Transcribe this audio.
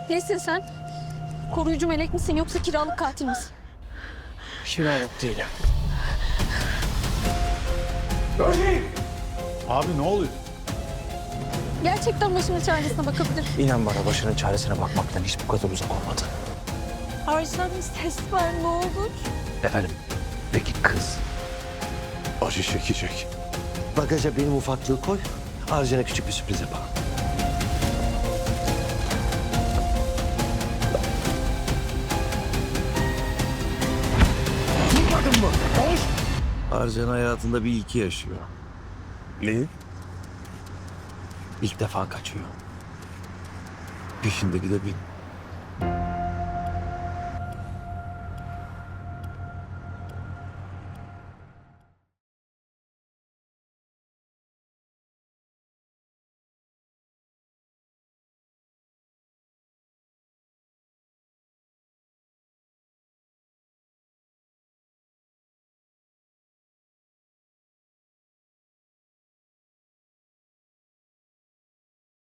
Nesin sen? Koruyucu melek misin yoksa kiralık katil misin? Kiralık değilim. Abi ne oluyor? Gerçekten başımın çaresine bakabilir. İnan bana, başının çaresine bakmaktan hiç bu kadar uzak olmadı. Arslan ses ver ne olur. Efendim, peki kız? Acı çekecek. Bagaja benim ufaklığı koy. Arjen'e küçük bir sürpriz yapalım. Duymadın mı? Konuş! Arjen hayatında bir ilki yaşıyor. Ne? İlk defa kaçıyor. Peşindeki de benim.